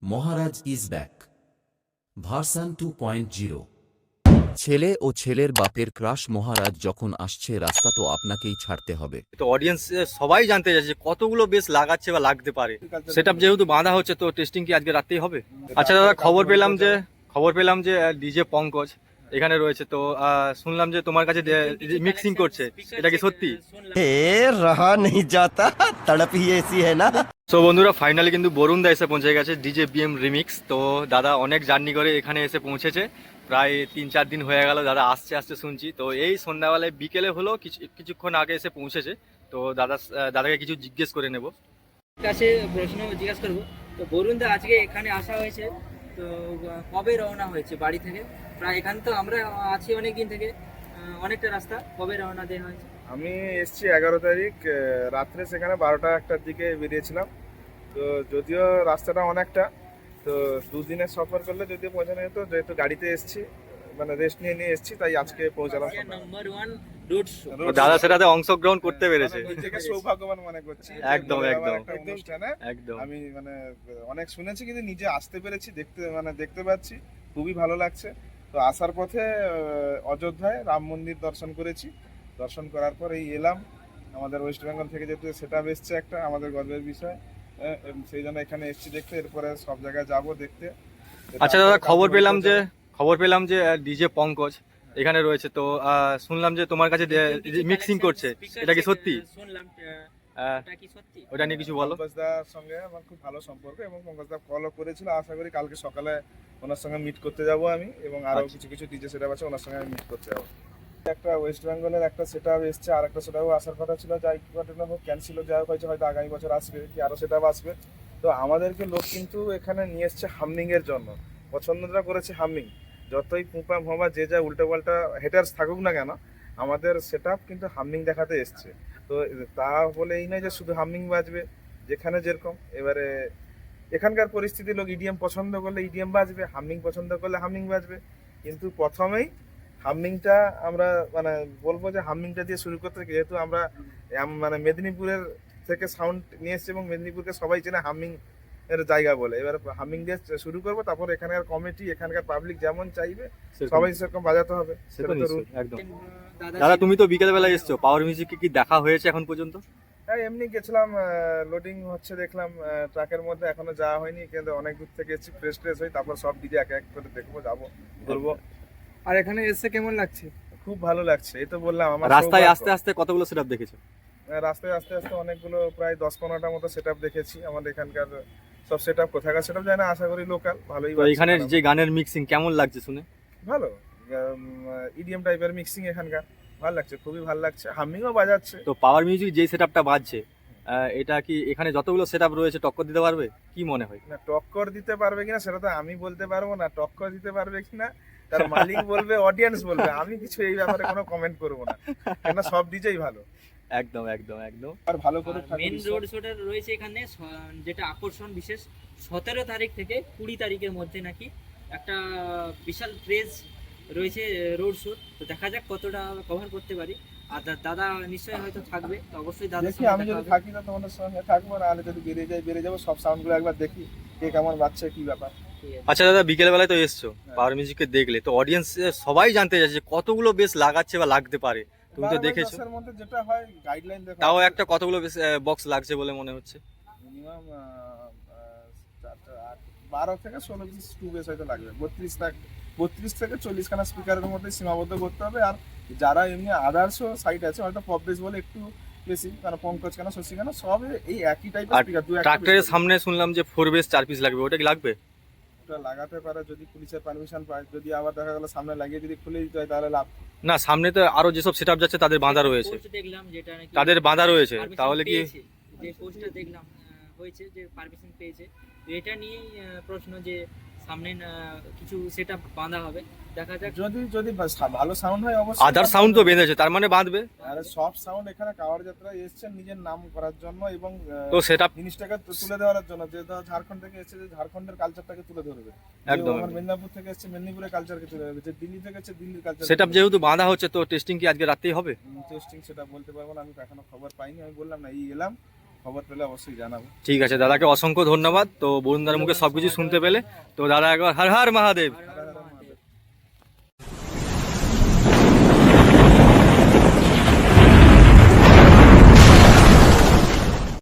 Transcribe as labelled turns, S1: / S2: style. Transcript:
S1: Maharaj is back version 2.0। ছেলে ও ছেলের বাপের ক্রাশ মহারাজ যখন আসছে, রাস্তা তো আপনাকেই ছাড়তে হবে।
S2: তো অডিয়েন্স সবাই জানতে চাইছে যে কতগুলো বেশ লাগাচ্ছে বা লাগতে পারে। সেটআপ যেহেতু বাঁধা হচ্ছে, তো টেস্টিং কি আজকে রাতেই হবে? আচ্ছা দাদা, খবর পেলাম যে ডিজে পঙ্কজ এখানে রয়েছে, তো শুনলাম যে তোমার কাছে মিক্সিং করছে, এটা কি সত্যি?
S3: रहा नहीं जाता तड़प ही ऐसी है ना।
S2: তো বন্ধুরা, ফাইনালি কিন্তু বরুণ দা এসে পৌঁছে গেছে, ডিজে বিএম রিমিক্স। তো দাদা অনেক জার্নি করে এখানে এসে পৌঁছেছে, প্রায় 3-4 দিন হয়ে গেল দাদা আসতে আসতে শুনছি। তো এই সন্ধ্যাবেলায় বিকেলে হলো কিছুক্ষণ আগে এসে পৌঁছেছে। তো দাদাকে কিছু জিজ্ঞেস করে নেব।
S4: কাছে প্রশ্ন জিজ্ঞাসা করবো। তো বরুণ দা, আজকে এখানে আসা হয়েছে, তো কবে রওনা হয়েছে বাড়ি থেকে? প্রায় এখানে তো আমরা আছি অনেক দিন থেকে, অনেকটা রাস্তা, কবে রওনা দেওয়া হয়েছে?
S5: আমি এসছি 11 তারিখ রাত্রে, সেখানে 12টা-1টার দিকে বেরিয়েছিলাম। তো যদিও রাস্তাটা অনেকটা, তো দুদিনের সফর করলে যদিও পৌঁছানো যেত, যেহেতু গাড়িতে এসছি, মানে রেস্ট নিয়ে নিয়ে এসছি, তাই আজকে পৌঁছালাম।
S4: Number 1 road show.
S2: তো দাদা সেটাতে অংশগ্রহণ করতে পেরেছে।
S5: নিজেকে সৌভাগ্যবান মনে করছি।
S2: একদম,
S5: যে
S2: একদম।
S5: একটা অনুষ্ঠানে
S2: একদম।
S5: আমি মানে অনেক শুনেছি, কিন্তু নিজে আসতে পেরেছি, দেখতে পাচ্ছি, খুবই ভালো লাগছে। তো আসার পথে অযোধ্যায় রাম মন্দির দর্শন করেছি। দর্শন করার পর এই এলাম। আমাদের ওয়েস্ট বেঙ্গল থেকে যেহেতু সেটা এসছে, একটা আমাদের গর্বের বিষয়, সেই জন্য এখানে এসছি দেখতে। এরপরে সব জায়গায় যাব দেখতে।
S2: আচ্ছা দাদা, খবর পেলাম যে ডিজে পঙ্কজ এখানে রয়েছে, তো শুনলাম যে তোমার কাছে মিক্সিং করছে, এটা কি সত্যি?
S4: শুনলাম, এটা কি সত্যি?
S2: ওটা নিয়ে কিছু বলো।
S5: পঙ্কজদার সঙ্গে আমার খুব ভালো সম্পর্ক, এবং পঙ্কজদা কলও করেছিল। আশা করি কালকে সকালে ওনার সঙ্গে মিট করতে যাব আমি, এবং আরো কিছু কিছু ডিজে সেটআপ আছে, ওনার সঙ্গে আমি মিট করতে যাবো। একটা ওয়েস্ট বেঙ্গলের একটা সেটআপ এসছে, আর একটা সেটআপ আসার কথা ছিল, যাই ঘটনা হোক ক্যান্সেল যাওয়া হয়েছে, হয়তো আগামী বছর আসবে কি আরো সেটআপ আসবে। তো আমাদেরকে লোক কিন্তু এখানে নিয়ে এসছে হামিং এর জন্য, পছন্দটা করেছে হামিং। যতই পুঁপা ভোঁপা যে যা উল্টো পাল্টা হেটার্স থাকুক না কেন, আমাদের সেটআপ কিন্তু হামিং দেখাতে এসছে। তো তা বলে এই নয় যে শুধু হামিং বাজবে, যেখানে যেরকম। এবারে এখানকার পরিস্থিতি, লোক ইডিএম পছন্দ করলে ইডিএম বাজবে, হামিং পছন্দ করলে হামিং বাজবে। কিন্তু প্রথমেই হামিংটা আমরা মানে বলবো যে হামিংটা দিয়ে শুরু করতে, যেহেতু আমরা মানে মেদিনীপুরের থেকে সাউন্ড নিয়ে এসেছি, এবং মেদিনীপুরকে সবাই চেনে হামিং এর জায়গা বলে। এবার হামিং দিয়ে শুরু করবো, তারপর এখানকার কমিটি, এখানকার পাবলিক যেমন চাইবে সবাই সেরকম বাজাতে হবে। সেটা তো রুল।
S2: একদম। দাদা তুমি তো বিকেল বেলা এসছো, পাওয়ার মিউজিক কি দেখা হয়েছে এখন পর্যন্ত?
S5: হ্যাঁ, এমনি গেছিলাম, লোডিং হচ্ছে দেখলাম ট্রাকের মধ্যে, এখনো যাওয়া হয়নি, কিন্তু অনেক দূর থেকে এসেছি, ফ্রেশ হই, তারপর সব ডিজে এক এক করে দেখবো, যাবো, ঘুরবো।
S6: আর এখানে এসে কেমন লাগছে?
S5: খুব ভালো লাগছে। এই তো বললাম, আমার
S2: রাস্তায়
S5: সৌভাগ্য।
S2: আস্তে আস্তে কতগুলো সেটআপ দেখেছো?
S5: রাস্তায় আস্তে আস্তে অনেকগুলো, প্রায় 10-15টা মতো সেটআপ দেখেছি। আমাদের এখানকার সব সেটআপ কোথাকার সেটআপ জানি না, আশা করি লোকাল ভালোই
S2: তো
S5: বাজছে।
S2: এখানে যে গানের মিক্সিং কেমন লাগছে শুনে?
S5: ভালো, ইডিএম টাইপের মিক্সিং এখানকার, ভালো লাগছে, খুবই ভালো লাগছে। হামিংও বাজাচ্ছে।
S2: তো পাওয়ার মিউজিক যে সেটআপটা বাজছে, এটা কি এখানে যতগুলো সেটআপ রয়েছে টক্কর দিতে পারবে? কি মনে হয়?
S5: না, টক্কর দিতে পারবে কিনা সেটা তো আমি বলতে পারবো না। টক্কর দিতে পারবে কিনা তার মালিক বলবে, অডিয়েন্স বলবে। আমি কিছু এই ব্যাপারে কোনো কমেন্ট করবো না, কেন সব ডিজেই ভালো।
S2: একদম, একদম, একদম।
S5: আর ভালো করে
S4: মেন রোড শোটা রয়েছে এখানে, যেটা আকর্ষণ বিশেষ, 17 তারিখ থেকে 20 তারিখের মধ্যে নাকি একটা বিশাল ক্রেজ রয়েছে রোড শো। তো দেখা যাক কতটা কভার করতে পারি। আর দাদা নিশ্চয়ই হয়তো থাকবে, তো অবশ্যই দাদা
S5: দেখি, আমি যদি থাকি তো তোমাদের সঙ্গে থাকবো, না হলে যদি বেরিয়ে যাবো, সব সাউন্ডগুলো একবার দেখি কে কেমন বাজছে, কি ব্যাপার।
S2: আচ্ছা দাদা, বিকেল বেলায় তো এসছো, পাওয়ার মিউজিককে দেখলে, তো অডিয়েন্স সবাই জানতে চাইছে যে কতগুলো বেশ লাগাচ্ছে বা লাগতে পারে, তুমি তো দেখেছো।
S5: 12-10 এর মধ্যে যেটা হয় গাইডলাইন দেখো,
S2: তাও একটা কতগুলো বেশ বক্স লাগছে বলে মনে হচ্ছে?
S5: মিনিমাম 12 থেকে 16 পিস টু বেস হয়তো লাগবে। 32 থেকে 40 খানা স্পিকারের মধ্যে সীমাবদ্ধ করতে হবে। আর যারা এমনি আদার্সও সাইট আছে, হয়তো পপ বেস বলে একটু বেশি, কারণ পঙ্কজ কেন, শশী কেন, সব এই একই টাইপের
S2: আর
S5: স্পিকার।
S2: ট্রাক্টরের সামনে শুনলাম যে 4 বেস 4 পিস লাগবে, ওটা কি লাগবে?
S5: ওটা লাগাতে পারে যদি পুলিশের পারমিশন পায়। যদি আবার দেখা গেল সামনে লাগিয়ে যদি খুলে দিতে হয়, তাহলে লাভ।
S2: না, সামনে তো আরো যেসব সেটআপ যাচ্ছে তাদের বাঁধা রয়েছে,
S4: পোস্ট দেখলাম যেটা নাকি
S2: তাদের বাঁধা রয়েছে,
S4: permission
S2: তাহলে কি?
S4: পেয়েছে, যে পোস্টটা দেখলাম হয়েছে যে পারমিশন পেয়েছে। তো এটা নিয়ে প্রশ্ন যে সামনে কিছু সেটআপ বাঁধা হবে, দেখা যাক।
S5: যদি ভালো সাউন্ড হয় অবশ্যই।
S2: আদার সাউন্ড তো বেঁধেছে, তার মানে বাঁধবে।
S5: আরে সব সাউন্ড এখানে কাওয়ার যাত্রায় এসেছেন নিজের নাম করার জন্য, এবং
S2: তো সেটআপ
S5: জিনিসটাকে তুলে দেওয়ার জন্য। যে ধর ঝাড়খণ্ড থেকে এসেছে, যে ঝাড়খণ্ডের কালচারটাকে তুলে ধরবে।
S2: একদম,
S5: আমার
S2: একদম।
S5: মেদিনীপুর থেকে এসেছে, মেদিনীপুরের কালচারকে তুলে ধরবে। যে দিল্লি থেকে এসেছে, দিল্লির কালচার।
S2: সেটআপ যেহেতু বাঁধা হচ্ছে, তো টেস্টিং কি আজকে রাতেই হবে?
S5: টেস্টিং সেটা বলতে পারবো না, আমি এখনো খবর পাইনি। আমি বললাম না, এই এলাম, খবর পেলে অবশ্যই জানাবো।
S2: ঠিক আছে, দাদাকে অসংখ্য ধন্যবাদ। তো বরুণদার মুখে সবকিছু শুনতে পেলে, তো দাদা একবার হর হর মহাদেব।